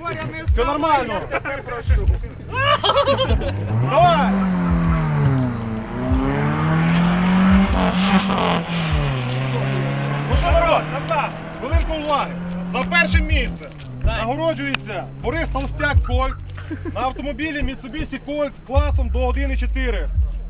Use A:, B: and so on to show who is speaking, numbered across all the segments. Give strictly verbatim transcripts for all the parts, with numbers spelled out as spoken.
A: Боря, не
B: Все нормально.
A: Я тебе прошу.
B: Давай! Ну що, народ, хвилинку уваги. За перше місце нагороджується Борис Толстяк Кольт на автомобілі Mitsubishi Colt класом до один і чотири.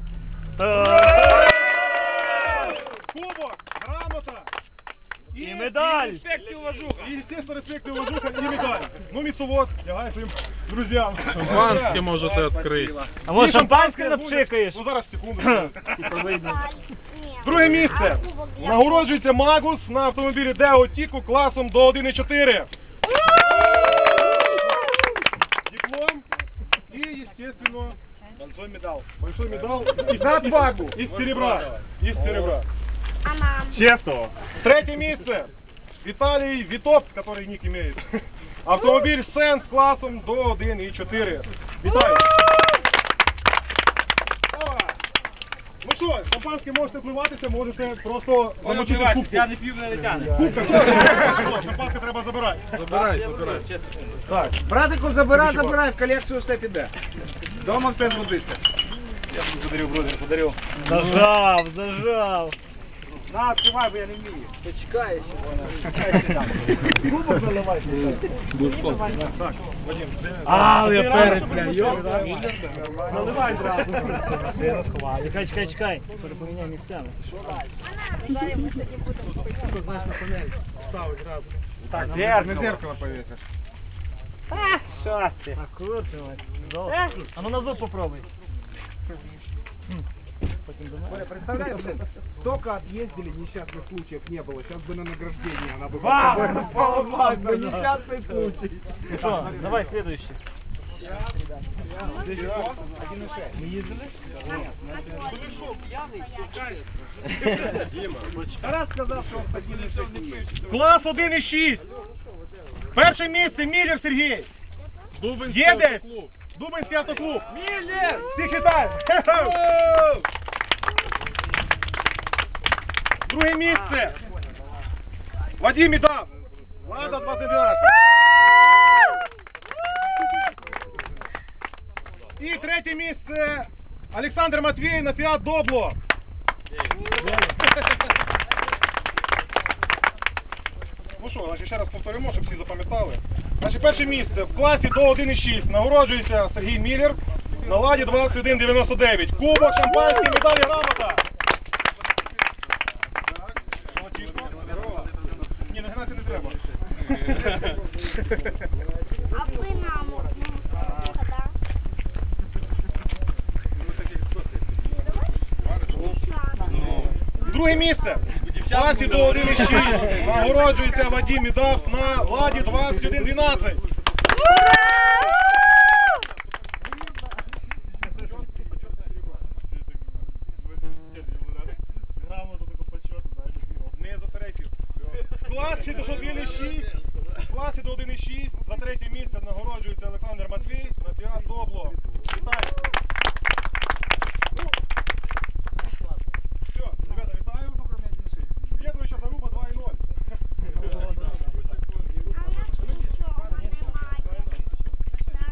B: Кубок, грамота
C: і медаль.
B: респект і уважуха. І, естественно, респект і уважуха і медаль. Ну, Міцовод, лягай своїм друзям.
D: Шампанське можете відкрити.
C: А може
B: І
C: шампанське
B: буде.
C: напшикаєш?
B: Ну зараз, секунду. Друге місце. Нагороджується Магус на автомобілі Део Тіку класом до один і чотири. Диплом и, естественно, большой медал. Большой медал из,
A: За отвагу.
B: из, из серебра. Из серебра.
C: Чесно.
B: Третье место. Виталий Витоп, который ник имеет. Автомобиль Сенс классом до один і чотири. Вітаю. Ну що, шампанське можете впливатися, можете просто замочити в кубку.
C: Я не п'ю, не тягне.
B: Кубка. Шампанське треба забирати.
D: Забирай, забирай.
B: Так.
A: Братику, забирай, забирай, в колекцію все піде. Дома все згодиться.
B: Я тобі подарив, бродер, подарив.
C: Зажав, зажав.
B: На, відкривай, бо я не вмію.
A: Почекай.
B: Кубок заливайся. Так, Вадим, де?
C: А, я перець, бля, йо.
B: Наливай зразу.
C: Я розховаю. Чекай, чекай, чекай. Перепоміняй місцями.
B: Так, зеркало. На зеркало повесишь.
C: Що ти? А курче, мать. А ну на зуб попробуй. Потім до мене.
A: Представляешь, блин, столько отъездили, несчастных случаев не было. Сейчас бы на награждение она бы
C: Вау!
A: сползлась бы. Несчастный случай.
C: Ну що, давай следующий. Ми їздили?
A: Тарас сказал, что он с один и шесть не едет.
B: Клас один і шість. Перше місце Міллер Сергій.
D: Дубинський
B: Є десь?
D: автоклуб.
B: Дубинський автоклуб. Міллер! Всіх вітаю. Друге місце. Вадим Ідав. Лада двадцять дванадцять. І третє місце Олександр Матвій на Фіат Добло. Ну що, значить, ще раз повторимо, щоб всі запам'ятали. Значить, перше місце в класі до один і шість нагороджується Сергій Міллер на Ладі двадцять один дев'яносто дев'ять. Кубок, шампанське, медалі, грамота. Так, золотішко. Ні, нагинатися не треба.
E: А ви нам
B: Друге місце. В класі до один і шість нагороджується Вадим Ідав на Ладі двадцять один дванадцять. Не за серейфів. В класі до один і шість. В класі до один і шість за третє місце нагороджується Олександр Матвій на Фіат Добло. Вітаю.